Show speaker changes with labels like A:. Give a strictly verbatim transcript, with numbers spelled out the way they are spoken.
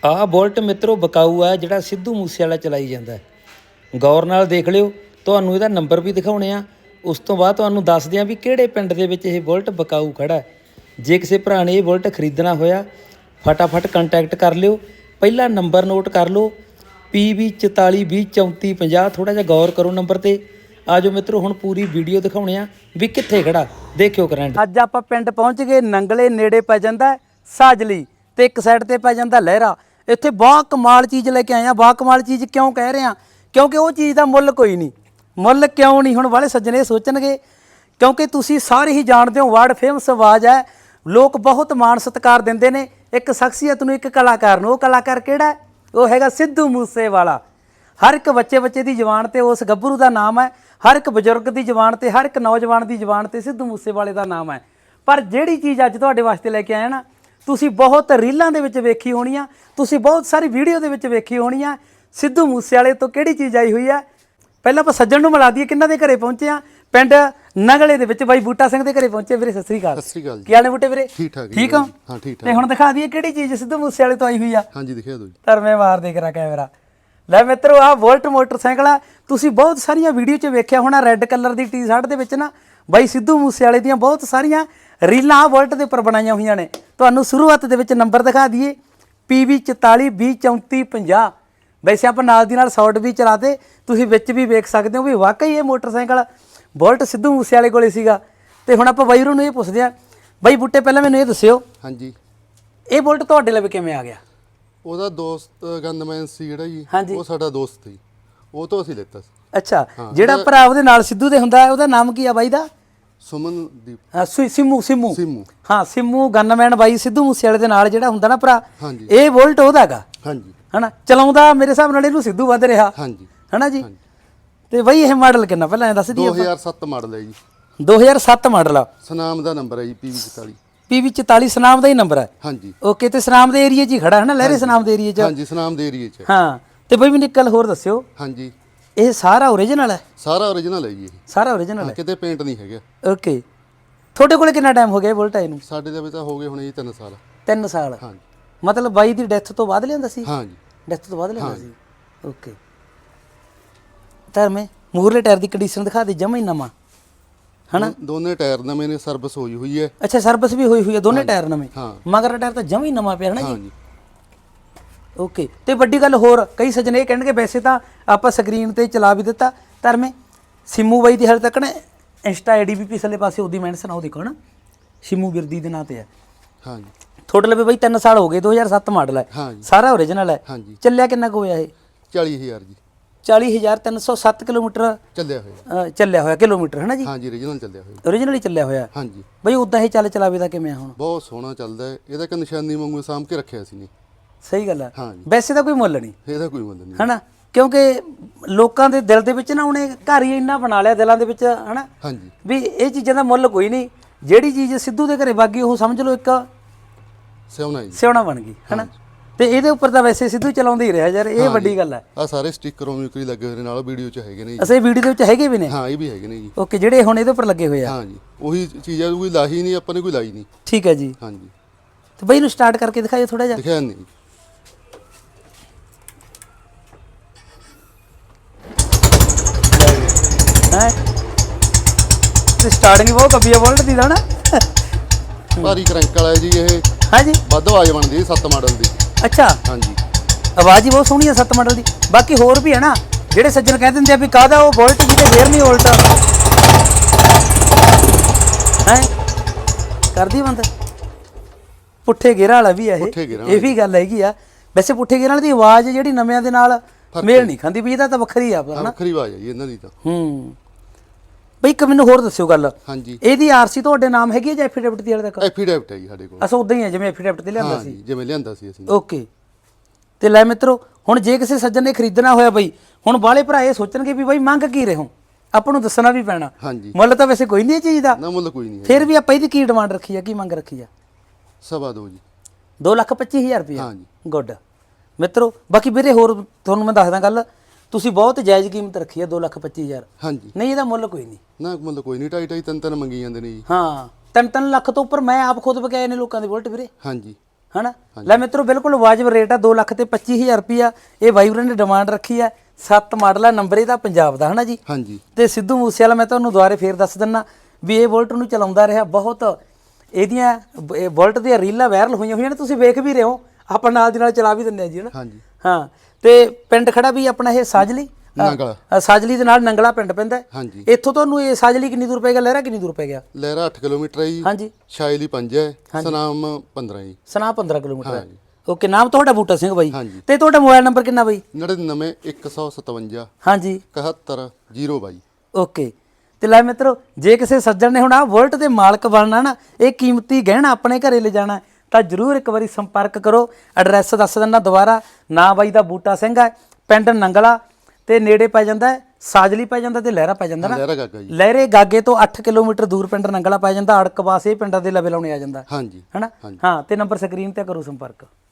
A: ਆਹ ਬੁਲਟ ਮਿੱਤਰੋ ਬਕਾਊ ਆ ਜਿਹੜਾ ਸਿੱਧੂ ਮੂਸੇ ਵਾਲਾ ਚਲਾਈ ਜਾਂਦਾ। ਗੌਰ ਨਾਲ ਦੇਖ ਲਿਓ, ਤੁਹਾਨੂੰ ਇਹਦਾ ਨੰਬਰ ਵੀ ਦਿਖਾਉਣੇ ਆ। ਉਸ ਤੋਂ ਬਾਅਦ ਤੁਹਾਨੂੰ ਦੱਸਦੇ ਆ ਵੀ ਕਿਹੜੇ ਪਿੰਡ ਦੇ ਵਿੱਚ ਇਹ ਬੁਲਟ ਬਕਾਊ ਖੜਾ। ਜੇ ਕਿਸੇ ਭਰਾ ਨੇ ਇਹ ਬੁਲਟ ਖਰੀਦਣਾ ਹੋਇਆ ਫਟਾਫਟ ਕੰਟੈਕਟ ਕਰ ਲਿਓ। ਪਹਿਲਾ ਨੰਬਰ ਨੋਟ ਕਰ ਲਓ ਪੀ ਵੀ ਚੁਤਾਲੀ ਵੀਹ ਚੌਂਤੀ ਪੰਜਾਹ। ਥੋੜ੍ਹਾ ਜਿਹਾ ਗੌਰ ਕਰੋ ਨੰਬਰ 'ਤੇ। ਆ ਜਾਓ ਮਿੱਤਰੋ, ਹੁਣ ਪੂਰੀ ਵੀਡੀਓ ਦਿਖਾਉਣੇ ਆ ਵੀ ਕਿੱਥੇ ਖੜਾ, ਦੇਖਿਓ ਕਰੰਟ। ਅੱਜ ਆਪਾਂ ਪਿੰਡ ਪਹੁੰਚ ਗਏ। ਨੰਗਲੇ ਨੇੜੇ ਪੈ ਜਾਂਦਾ ਸਾਜਲੀ ਤੇ ਇੱਕ ਸਾਈਡ ਤੇ ਪੈ ਜਾਂਦਾ ਲਹਿਰਾ। ਇੱਥੇ ਬਹੁਤ ਕਮਾਲ ਚੀਜ਼ ਲੈ ਕੇ ਆਏ ਆ। ਬਹੁਤ ਕਮਾਲ ਚੀਜ਼ ਕਿਉਂ ਕਹਿ ਰਹੇ ਆ? ਕਿਉਂਕਿ ਉਹ ਚੀਜ਼ ਦਾ ਮੁੱਲ ਕੋਈ ਨਹੀਂ। ਮੁੱਲ ਕਿਉਂ ਨਹੀਂ? ਹੁਣ ਵਾਲੇ ਸੱਜਣੇ ਸੋਚਣਗੇ, ਕਿਉਂਕਿ ਤੁਸੀਂ ਸਾਰੇ ਹੀ ਜਾਣਦੇ ਹੋ ਵਰਲਡ ਫੇਮਸ ਆਵਾਜ਼ ਹੈ। ਲੋਕ ਬਹੁਤ ਮਾਣ ਸਤਿਕਾਰ ਦਿੰਦੇ ਨੇ ਇੱਕ ਸ਼ਖਸੀਅਤ ਨੂੰ, ਇੱਕ ਕਲਾਕਾਰ ਨੂੰ। ਉਹ ਕਲਾਕਾਰ ਕਿਹੜਾ? ਉਹ ਹੈਗਾ ਸਿੱਧੂ ਮੂਸੇ ਵਾਲਾ। ਹਰ ਇੱਕ ਬੱਚੇ ਬੱਚੇ ਦੀ ਜ਼ੁਬਾਨ ਤੇ ਉਸ ਗੱਭਰੂ ਦਾ ਨਾਮ ਹੈ। ਹਰ ਇੱਕ ਬਜ਼ੁਰਗ ਦੀ ਜ਼ੁਬਾਨ ਤੇ, ਹਰ ਇੱਕ ਨੌਜਵਾਨ ਦੀ ਜ਼ੁਬਾਨ ਤੇ ਸਿੱਧੂ ਮੂਸੇ ਵਾਲੇ ਦਾ ਨਾਮ ਹੈ। ਪਰ ਜਿਹੜੀ ਚੀਜ਼ ਅੱਜ ਤੁਹਾਡੇ ਵਾਸਤੇ ਲੈ ਕੇ ਆਇਆ ਨਾ, ਤੁਸੀਂ ਬਹੁਤ ਰੀਲਾਂ ਦੇ ਵਿੱਚ ਵੇਖੀ ਹੋਣੀ ਆ, ਤੁਸੀਂ ਬਹੁਤ ਸਾਰੀ ਵੀਡੀਓ ਦੇ ਵਿੱਚ ਵੇਖੀ ਹੋਣੀ ਆ। ਸਿੱਧੂ ਮੂਸੇ ਵਾਲੇ ਤੋਂ ਕਿਹੜੀ ਚੀਜ਼ ਆਈ ਹੋਈ ਆ? ਪਹਿਲਾਂ ਆਪਾਂ ਸੱਜਣ ਨੂੰ ਮਿਲਾ ਦਈਏ ਕਿਹਨਾਂ ਦੇ ਘਰੇ ਪਹੁੰਚੇ ਆ। ਪਿੰਡ ਨਗਲੇ ਦੇ ਵਿੱਚ ਬਾਈ ਬੂਟਾ ਸਿੰਘ ਦੇ ਘਰੇ ਪਹੁੰਚੇ। ਵੀਰੇ ਸਤਿ ਸ੍ਰੀ ਅਕਾਲ।
B: ਸਤਿ ਸ੍ਰੀ ਅਕਾਲ ਜੀ।
A: ਕੀ ਹਾਲ ਨੇ ਬੂਟੇ ਵੀਰੇ?
B: ਠੀਕ ਠਾਕ
A: ਠੀਕ ਹੋ?
B: ਹਾਂ ਠੀਕ ਠਾਕ।
A: ਤੇ ਹੁਣ ਦਿਖਾ ਦਈਏ ਕਿਹੜੀ ਚੀਜ਼ ਸਿੱਧੂ ਮੂਸੇ ਵਾਲੇ ਤੋਂ ਆਈ ਹੋਈ ਆ।
B: ਹਾਂਜੀ ਦਿਖਾ ਦਿਓ ਜੀ।
A: ਧਰਮੇ ਮਾਰ ਦੇ ਕਰਾ ਕੈਮਰਾ। ਲੈ ਮਿੱਤਰੋ, ਆਹ ਵੋਲਟ ਮੋਟਰਸਾਈਕਲ ਆ। ਤੁਸੀਂ ਬਹੁਤ ਸਾਰੀਆਂ ਵੀਡੀਓ 'ਚ ਵੇਖਿਆ ਹੋਣਾ, ਰੈੱਡ ਕਲਰ ਦੀ ਟੀ ਸ਼ਰਟ ਦੇ ਵਿੱਚ ਨਾ ਬਾਈ ਸਿੱਧੂ ਮੂਸੇ ਵਾਲੇ ਦੀਆਂ ਬਹੁਤ ਸਾਰੀਆਂ ਰੀਲਾਂ ਆ ਵੋਲਟ ਦੇ ਉੱਪਰ ਬਣਾਈਆਂ ਹੋਈਆਂ ਨੇ। ਤੁਹਾਨੂੰ ਸ਼ੁਰੂਆਤ ਦੇ ਵਿੱਚ ਨੰਬਰ ਦਿਖਾ ਦਈਏ ਪੀ ਵੀ ਚੁਤਾਲੀ ਵੀਹ ਚੌਂਤੀ ਪੰਜਾਹ। ਵੈਸੇ ਆਪਾਂ ਨਾਲ ਦੀ ਨਾਲ ਸ਼ਾਰਟ ਵੀ ਚਲਾਤੇ, ਤੁਸੀਂ ਵਿੱਚ ਵੀ ਵੇਖ ਸਕਦੇ ਹੋ ਵੀ ਵਾਕਈ ਇਹ ਮੋਟਰਸਾਈਕਲ ਬੁਲਟ ਸਿੱਧੂ ਮੂਸੇ ਵਾਲੇ ਕੋਲੇ ਸੀਗਾ। ਤੇ ਹੁਣ ਆਪਾਂ ਬਾਈ ਨੂੰ ਇਹ ਪੁੱਛਦੇ ਆ, ਬਾਈ ਬੂਟੇ ਪਹਿਲਾਂ ਮੈਨੂੰ ਇਹ ਦੱਸਿਓ,
B: ਹਾਂਜੀ
A: ਇਹ ਬੁਲਟ ਤੁਹਾਡੇ ਲਈ ਕਿਵੇਂ ਆ ਗਿਆ?
B: ਉਹਦਾ ਦੋਸਤ ਗੰਦਮੈਨ ਸੀ ਜਿਹੜਾ ਜੀ,
A: ਹਾਂਜੀ।
B: ਉਹ ਸਾਡਾ ਦੋਸਤ ਸੀ, ਉਹ ਤੋਂ ਅਸੀਂ ਲਿੱਤਾ ਸੀ।
A: ਅੱਛਾ, ਜਿਹੜਾ ਭਰਾ ਉਹਦੇ ਨਾਲ ਸਿੱਧੂ ਦੇ ਹੁੰਦਾ ਉਹਦਾ ਨਾਮ ਕੀ ਆ ਬਾਈ ਦਾ?
B: ਸੁਮਨਦੀਪ।
A: ਹਾਂ ਸਿੰਮੂ ਸਿੰਮੂ
B: ਸਿੰਮੂ।
A: ਹਾਂ ਸਿੰਮੂ ਗਨਮੈਨ ਬਾਈ ਸਿੱਧੂ ਮੂਸੇ ਵਾਲੇ ਦੇ ਨਾਲ ਜਿਹੜਾ ਹੁੰਦਾ ਨਾ ਭਰਾ,
B: ਹਾਂਜੀ।
A: ਇਹ ਬੁਲਟ ਉਹਦਾ ਹੈਗਾ।
B: ਹਾਂਜੀ।
A: ਹਨਾ ਚਲਾਉਂਦਾ ਮੇਰੇ ਹਿਸਾਬ ਨਾਲ ਇਹਨੂੰ ਸਿੱਧੂ ਵੱਧ ਰਿਹਾ।
B: ਹਾਂਜੀ।
A: ਹਨਾ ਜੀ। ਤੇ ਬਾਈ ਇਹ ਮਾਡਲ ਕਿੰਨਾ ਪਹਿਲਾਂ ਦੱਸ ਦਈਏ?
B: ਦੋ ਹਜ਼ਾਰ ਸੱਤ ਮਾਡਲ ਹੈ ਜੀ।
A: ਦੋ ਹਜ਼ਾਰ ਸੱਤ ਮਾਡਲ ਆ।
B: ਸਨਾਮ ਦਾ ਨੰਬਰ ਹੈ ਜੀ ਪੀ ਵੀ ਚੁਤਾਲੀ।
A: ਪੀ ਵੀ ਚੁਤਾਲੀ ਸਨਾਮ ਦਾ ਹੀ ਨੰਬਰ ਹੈ।
B: ਹਾਂਜੀ।
A: ਓਕੇ। ਤੇ ਸਨਾਮ ਦੇ ਏਰੀਏ 'ਚ ਹੀ ਖੜਾ ਹੈ ਨਾ, ਲਹਿਰੇ ਸਨਾਮ ਦੇ ਏਰੀਏ 'ਚ।
B: ਹਾਂਜੀ ਸਨਾਮ ਦੇ ਏਰੀਏ 'ਚ।
A: ਹਾਂ। ਤੇ ਬਾਈ ਮੈਨੂੰ ਇੱਕ ਗੱਲ ਹੋਰ ਦੱਸਿਓ,
B: ਹਾਂਜੀ
A: ਇਹ ਸਾਰਾ ਓਰੀਜਨਲ ਹੈ?
B: ਸਾਰਾ ਓਰੀਜਨਲ ਹੈ ਜੀ ਇਹ।
A: ਸਾਰਾ ਓਰੀਜਨਲ ਹੈ,
B: ਕਿਤੇ ਪੇਂਟ ਨਹੀਂ ਹੈਗਾ।
A: ਓਕੇ। ਤੁਹਾਡੇ ਕੋਲੇ ਕਿੰਨਾ ਟਾਈਮ ਹੋ ਗਿਆ ਬੁਲਟ ਆਏ ਨੂੰ?
B: ਸਾਡੇ ਦੇ ਵੀ ਤਾਂ ਹੋ ਗਏ ਹੁਣ ਜੀ ਤਿੰਨ ਸਾਲ।
A: ਤਿੰਨ ਸਾਲ?
B: ਹਾਂਜੀ।
A: ਮਤਲਬ ਬਾਈ ਦੀ ਡੈਥ ਤੋਂ ਬਾਅਦ ਲਿਆਂਦਾ ਸੀ?
B: ਹਾਂਜੀ
A: ਡੈਥ ਤੋਂ ਬਾਅਦ ਲਿਆਂਦਾ ਸੀ। ਓਕੇ। ਧਰਮੇ ਮੂਰਲੇ ਟਾਇਰ ਦੀ ਕੰਡੀਸ਼ਨ ਦਿਖਾ ਦੇ, ਜਮਾ ਹੀ ਨਵਾਂ ਹਨਾ।
B: ਦੋਨੇ ਟਾਇਰ ਨਵੇਂ ਨੇ, ਸਰਵਿਸ ਹੋਈ ਹੋਈ ਹੈ।
A: ਅੱਛਾ, ਸਰਵਿਸ ਵੀ ਹੋਈ ਹੋਈ ਹੈ, ਦੋਨੇ ਟਾਇਰ ਨਵੇਂ।
B: ਹਾਂ।
A: ਮਗਰ ਟਾਇਰ ਤਾਂ ਜਮਾ ਹੀ ਨਵਾਂ ਪਿਆ ਹਨਾ ਜੀ।
B: ਹਾਂਜੀ।
A: ਓਕੇ। ਤੇ ਵੱਡੀ ਗੱਲ ਹੋਰ, ਕਈ ਸੱਜਣੇ ਇਹ ਕਹਿਣਗੇ, ਵੈਸੇ ਤਾਂ ਆਪਾਂ ਸਕਰੀਨ ਤੇ ਚਲਾ ਵੀ ਦਿੱਤਾ ਧਰਮੇ, ਸਿੰਮੂ ਬਾਈ ਦੀ ਹਾਲੇ ਤੱਕ ਨਾ ਇੰਸਟਾ ਆਈ ਡੀ ਵੀ ਪਿਛਲੇ ਪਾਸੇ ਉਹਦੀ ਮੈਂਸ਼ਨ ਆ, ਉਹ ਦੇਖੋ ਨਾ ਸਿੰਮੂ ਬਿਰਦੀ ਦੇ ਨਾਂ ਤੇ ਹੈ।
B: ਹਾਂਜੀ।
A: ਤੁਹਾਡੇ ਲਈ ਬਾਈ ਤਿੰਨ ਸਾਲ ਹੋ ਗਏ, ਦੋ ਹਜ਼ਾਰ ਸੱਤ ਮਾਡਲ ਹੈ।
B: ਹਾਂਜੀ।
A: ਸਾਰਾ ਓਰੀਜਨਲ ਹੈ।
B: ਹਾਂਜੀ।
A: ਚੱਲਿਆ ਕਿੰਨਾ ਕੁ ਹੋਇਆ ਇਹ?
B: ਚਾਲੀ ਹਜ਼ਾਰ ਜੀ।
A: ਚਾਲੀ ਹਜ਼ਾਰ ਤਿੰਨ ਸੌ ਸੱਤ ਕਿਲੋਮੀਟਰ
B: ਚੱਲਿਆ ਹੋਇਆ।
A: ਚੱਲਿਆ ਹੋਇਆ ਕਿਲੋਮੀਟਰ ਹੈ ਨਾ ਜੀ?
B: ਹਾਂਜੀ ਓਰੀਜਨਲ ਚੱਲਿਆ ਹੋਇਆ।
A: ਓਰੀਜਨਲ ਹੀ ਚੱਲਿਆ ਹੋਇਆ।
B: ਹਾਂਜੀ।
A: ਬਈ ਉਦਾਂ ਹੀ ਚੱਲ ਚਲਾਵੇ ਦਾ ਕਿਵੇਂ ਹੁਣ?
B: ਬਹੁਤ ਸੋਹਣਾ ਚੱਲਦਾ ਹੈ। ਇਹਦਾ ਇੱਕ ਨਿਸ਼ਾਨੀ ਵਾਂਗੂ ਸਾਂਭ ਕੇ ਰੱਖਿਆ ਸੀ ਨੇ।
A: ਸਹੀ ਗੱਲ ਹੈ।
B: ਹਾਂਜੀ।
A: ਵੈਸੇ ਤਾਂ ਕੋਈ ਮੁੱਲ ਨਹੀਂ
B: ਇਹਦਾ ਕੋਈ ਮੁੱਲ ਨਹੀਂ
A: ਹਨਾ, ਕਿਉਂਕਿ ਲੋਕਾਂ ਦੇ ਦਿਲ ਦੇ ਵਿੱਚ ਨਾ ਉਹਨੇ ਘਰ ਹੀ ਇੰਨਾ ਬਣਾ ਲਿਆ ਦਿਲਾਂ ਦੇ ਵਿੱਚ ਹਨਾ,
B: ਹਾਂਜੀ
A: ਵੀ ਇਹ ਚੀਜ਼ਾਂ ਦਾ ਮੁੱਲ ਕੋਈ ਨਹੀਂ। ਜਿਹੜੀ ਚੀਜ਼ ਸਿੱਧੂ ਦੇ ਘਰੇ ਬਾਗੀ ਉਹ ਸਮਝ ਲਓ ਇੱਕ
B: ਸਿਉਣਾ ਜੀ,
A: ਸਿਉਣਾ ਬਣ ਗਈ ਹਨਾ। ਤੇ ਇਹਦੇ ਉੱਪਰ ਤਾਂ ਵੈਸੇ ਸਿੱਧੂ ਚਲਾਉਂਦੇ ਹੀ ਰਿਹਾ ਯਾਰ, ਇਹ ਵੱਡੀ ਗੱਲ ਹੈ।
B: ਆ ਸਾਰੇ ਸਟicker ਉਮੀਕਰੀ ਲੱਗੇ ਹੋਏ ਨੇ, ਨਾਲ ਵੀਡੀਓ 'ਚ ਹੈਗੇ ਨੇ ਜੀ।
A: ਅਸੀਂ ਵੀਡੀਓ ਦੇ ਵਿੱਚ ਹੈਗੇ ਵੀ ਨੇ।
B: ਹਾਂ ਇਹ ਵੀ ਹੈਗੇ ਨੇ ਜੀ।
A: ਓਕੇ, ਜਿਹੜੇ ਹੁਣ ਇਹਦੇ ਉੱਪਰ ਲੱਗੇ ਹੋਏ ਆ।
B: ਹਾਂਜੀ ਉਹੀ ਚੀਜ਼ ਆ, ਕੋਈ ਲਾਹੀ ਨਹੀਂ, ਆਪਾਂ ਨੇ ਕੋਈ ਲਾਈ ਨਹੀਂ।
A: ਠੀਕ ਹੈ ਜੀ।
B: ਹਾਂਜੀ।
A: ਤੇ ਬਈ ਇਹਨੂੰ ਸਟਾਰਟ ਕਰਕੇ ਦਿਖਾਇਓ ਥੋੜਾ ਜਿਹਾ।
B: ਦਿਖਿਆ ਨਹੀਂ
A: ਹੈ ਤੇ ਸਟਾਰਟਿੰਗ ਬਹੁਤ ਕੱਬੀ ਆ ਬੁਲਟ ਦੀ ਦਾ ਨਾ।
B: ਭਾਰੀ ਕਰੰਕ ਵਾਲਾ ਜੀ ਇਹ।
A: ਹਾਂਜੀ।
B: ਵੱਧ ਆਵਾਜ਼ ਬਣਦੀ ਹੈ ਸੱਤ ਮਾਡਲ ਦੀ।
A: ਅੱਛਾ।
B: ਹਾਂਜੀ।
A: ਆਵਾਜ਼ ਹੀ ਬਹੁਤ ਸੋਹਣੀ ਹੈ ਸੱਤ ਮਾਡਲ ਦੀ। ਬਾਕੀ ਹੋਰ ਵੀ ਹੈ ਨਾ, ਜਿਹੜੇ ਸੱਜਣ ਕਹਿ ਦਿੰਦੇ ਆ ਵੀ ਕਾਹਦਾ ਉਹ ਬੁਲਟ ਜੀ ਤੇ ਫੇਰ ਨਹੀਂ ਉਲਟਾ ਹੈ ਕਰਦੀ ਬੰਦ। ਪੁੱਠੇ ਗੇਰਾਂ ਵਾਲਾ ਵੀ ਹੈ ਇਹ, ਇਹ ਵੀ ਗੱਲ ਹੈਗੀ ਆ। ਵੈਸੇ ਪੁੱਠੇ ਗੇਰਾਂ ਵਾਲੀ ਦੀ ਆਵਾਜ਼ ਜਿਹੜੀ ਨਵਿਆਂ ਦੇ ਨਾਲ ਮੇਲ ਨਹੀਂ ਖਾਂਦੀ, ਵੀ ਇਹਦਾ ਤਾਂ ਵੱਖਰੀ ਆ ਹਨਾ।
B: ਵੱਖਰੀ ਆਵਾਜ਼ ਹੈ ਜੀ ਇਹਨਾਂ ਦੀ ਤਾਂ।
A: ਹੂੰ ਬਈ ਇੱਕ ਮੈਨੂੰ ਹੋਰ ਦੱਸਿਓ ਗੱਲ,
B: ਹਾਂਜੀ
A: ਇਹਦੀ ਆਰਸੀ ਤੁਹਾਡੇ ਨਾਮ ਹੈਗੀ ਹੈ ਜਾਂ ਐਫੀਡੈਵਿਟ ਦੀ ਹਾਲੇ ਤੱਕ?
B: ਐਫੀਡੈਵਿਟ ਹੈ ਜੀ ਸਾਡੇ ਕੋਲ।
A: ਅਸਾਂ ਉਦਾਂ ਹੀ ਹੈ ਜਿਵੇਂ ਐਫੀਡੈਵਿਟ ਤੇ ਲਿਆਂਦਾ ਸੀ।
B: ਜਿਵੇਂ ਲਿਆਂਦਾ ਸੀ ਅਸੀਂ।
A: ਓਕੇ। ਤੇ ਲੈ ਮਿੱਤਰੋ, ਹੁਣ ਜੇ ਕਿਸੇ ਸੱਜਣ ਨੇ ਖਰੀਦਣਾ ਹੋਇਆ ਬਈ, ਹੁਣ ਬਾਲੇ ਭਰਾ ਇਹ ਸੋਚਣਗੇ ਵੀ ਬਾਈ ਮੰਗ ਕੀ ਰਹੇ ਹੋ, ਆਪਾਂ ਨੂੰ ਦੱਸਣਾ ਵੀ ਪੈਣਾ।
B: ਹਾਂਜੀ।
A: ਮੁੱਲ ਤਾਂ ਵੈਸੇ ਕੋਈ ਨਹੀਂ ਇਹ ਚੀਜ਼ ਦਾ।
B: ਨਾ ਮੁੱਲ ਕੋਈ ਨਹੀਂ ਹੈ।
A: ਫਿਰ ਵੀ ਆਪਾਂ ਇਹਦੀ ਕੀ ਡਿਮਾਂਡ ਰੱਖੀ ਆ, ਕੀ ਮੰਗ ਰੱਖੀ ਆ?
B: ਸਵਾ ਦੋ ਜੀ।
A: ਦੋ ਲੱਖ ਪੱਚੀ ਹਜ਼ਾਰ ਰੁਪਇਆ।
B: ਹਾਂਜੀ।
A: ਗੁੱਡ ਮਿੱਤਰੋ। ਬਾਕੀ ਵੀਰੇ ਹੋਰ ਤੁਹਾਨੂੰ ਮੈਂ ਦੱਸਦਾ ਗੱਲ, ਤੁਸੀਂ ਬਹੁਤ ਜਾਇਜ਼ ਕੀਮਤ ਰੱਖੀ ਆ, ਦੋ ਲੱਖ ਪੱਚੀ ਹਜ਼ਾਰ।
B: ਹਾਂਜੀ।
A: ਨਹੀਂ ਇਹਦਾ ਮੁੱਲ ਕੋਈ ਨਹੀਂ।
B: ਨਾ ਮੁੱਲ ਕੋਈ ਨਹੀਂ, ਢਾਈ ਢਾਈ ਤਿੰਨ ਤਿੰਨ ਮੰਗੀ ਜਾਂਦੇ ਨੇ ਜੀ।
A: ਹਾਂ, ਤਿੰਨ ਤਿੰਨ ਲੱਖ ਤੋਂ ਉੱਪਰ ਮੈਂ ਆਪ ਖੁਦ ਬਕਾਏ ਨੇ ਲੋਕਾਂ ਦੇ ਬੁਲਟ ਵੀਰੇ।
B: ਹਾਂਜੀ।
A: ਹਨਾ। ਲੈ ਮਿੱਤਰੋ ਬਿਲਕੁਲ ਵਾਜਬ ਰੇਟ ਆ, ਦੋ ਲੱਖ ਤੇ ਪੱਚੀ ਹਜ਼ਾਰ ਰੁਪਿਆ ਇਹ ਬਾਈ ਵੀਰਾਂ ਨੇ ਡਿਮਾਂਡ ਰੱਖੀ ਆ। ਸੱਤ ਮਾਡਲ ਆ, ਨੰਬਰ ਇਹਦਾ ਪੰਜਾਬ ਦਾ ਹਨਾ ਜੀ।
B: ਹਾਂਜੀ
A: ਤੇ ਸਿੱਧੂ ਮੂਸੇਵਾਲਾ ਮੈਂ ਤੁਹਾਨੂੰ ਦੁਬਾਰੇ ਫੇਰ ਦੱਸ ਦਿੰਨਾ ਵੀ ਇਹ ਬੁਲਟ ਨੂੰ ਚਲਾਉਂਦਾ ਰਿਹਾ ਬਹੁਤ, ਇਹਦੀਆਂ ਇਹ ਬੁਲਟ ਦੀਆਂ ਰੀਲਾਂ ਵਾਇਰਲ ਹੋਈਆਂ ਹੋਈਆਂ ਨੇ, ਤੁਸੀਂ ਵੇਖ ਵੀ ਰਹੇ ਹੋ, ਆਪਾਂ ਨਾਲ ਦੀ ਨਾਲ ਚਲਾ ਵੀ ਦਿੰਦੇ ਆ ਜੀ ਹਨਾ।
B: ਹਾਂਜੀ
A: ਹਾਂ ਤੇ ਪਿੰਡ ਖੜਾ ਵੀ ਆਪਣਾ ਇਹ ਸਾਜਲੀ,
B: ਨੰਗਲਾ
A: ਅ, ਸਾਜਲੀ ਦੇ ਨਾਲ ਨੰਗਲਾ ਪਿੰਡ ਪੈਂਦਾ।
B: ਹਾਂਜੀ
A: ਇੱਥੋਂ ਤੁਹਾਨੂੰ ਇਹ ਸਾਜਲੀ ਕਿੰਨੀ ਦੂਰ ਪੈ ਗਿਆ, ਲਹਿਰਾ ਕਿੰਨੀ ਦੂਰ ਪੈ ਗਿਆ?
B: ਲਹਿਰਾ ਅੱਠ ਕਿਲੋਮੀਟਰ ਹੈ ਜੀ,
A: ਹਾਂਜੀ
B: ਸ਼ਾਇਲੀ ਪੰਜ ਹੈ, ਸਨਾਮ ਪੰਦਰਾਂ ਜੀ।
A: ਸਨਾ ਪੰਦਰਾਂ ਕਿਲੋਮੀਟਰ ਹੈ।
B: ਹਾਂਜੀ
A: ਓਕੇ, ਨਾਮ ਤੁਹਾਡਾ ਬੂਟਾ ਸਿੰਘ ਬਾਈ।
B: ਹਾਂਜੀ
A: ਤੇ ਤੁਹਾਡਾ ਮੋਬਾਈਲ ਨੰਬਰ ਕਿੰਨਾ ਬਾਈ?
B: ਨੜਿਨਵੇਂ ਇੱਕ ਸੌ ਸਤਵੰਜਾ
A: ਹਾਂਜੀ
B: ਇਕਹੱਤਰ ਜ਼ੀਰੋ ਬਾਈ।
A: ਓਕੇ ਤੇ ਲੈ ਮਿੱਤਰੋ, ਜੇ ਕਿਸੇ ਸੱਜਣ ਨੇ ਹੁਣ ਆ ਬੁਲਟ ਦੇ ਮਾਲਕ ਬਣਨਾ ਨਾ, ਇਹ ਕੀਮਤੀ ਗਹਿਣਾ ਆਪਣੇ ਘਰੇ ਲੈ ਜਾਣਾ, ਤਾਂ ਜਰੂਰ ਇੱਕ ਵਾਰੀ ਸੰਪਰਕ ਕਰੋ। ਐਡਰੈਸ ਦੱਸ ਦਿੰਦਾ ਦੁਬਾਰਾ, ਨਾਂ ਬਾਈ ਦਾ ਬੂਟਾ ਸਿੰਘ ਹੈ, ਪਿੰਡ ਨੰਗਲਾ ਤੇ ਨੇੜੇ ਪੈ ਜਾਂਦਾ ਹੈ ਸਾਜਲੀ ਪੈ ਜਾਂਦਾ ਤੇ ਲਹਿਰਾ ਪੈ ਜਾਂਦਾ ਨਾ।
B: ਲਹਿਰਾ ਗਾਗਾ ਜੀ।
A: ਲਹਿਰੇ ਗਾਗੇ ਤੋਂ ਅੱਠ ਕਿਲੋਮੀਟਰ ਦੂਰ ਪਿੰਡ ਨੰਗਲਾ ਪੈ ਜਾਂਦਾ, ਅੜਕਵਾਸ ਇਹ ਪਿੰਡਾਂ ਦੇ ਲਵੇ ਲਾਉਣੇ ਆ ਜਾਂਦਾ
B: ਹਾਂਜੀ
A: ਹਨਾ। ਹਾਂ ਤੇ ਨੰਬਰ ਸਕਰੀਨ ਤੇ ਕਰੋ ਸੰਪਰਕ।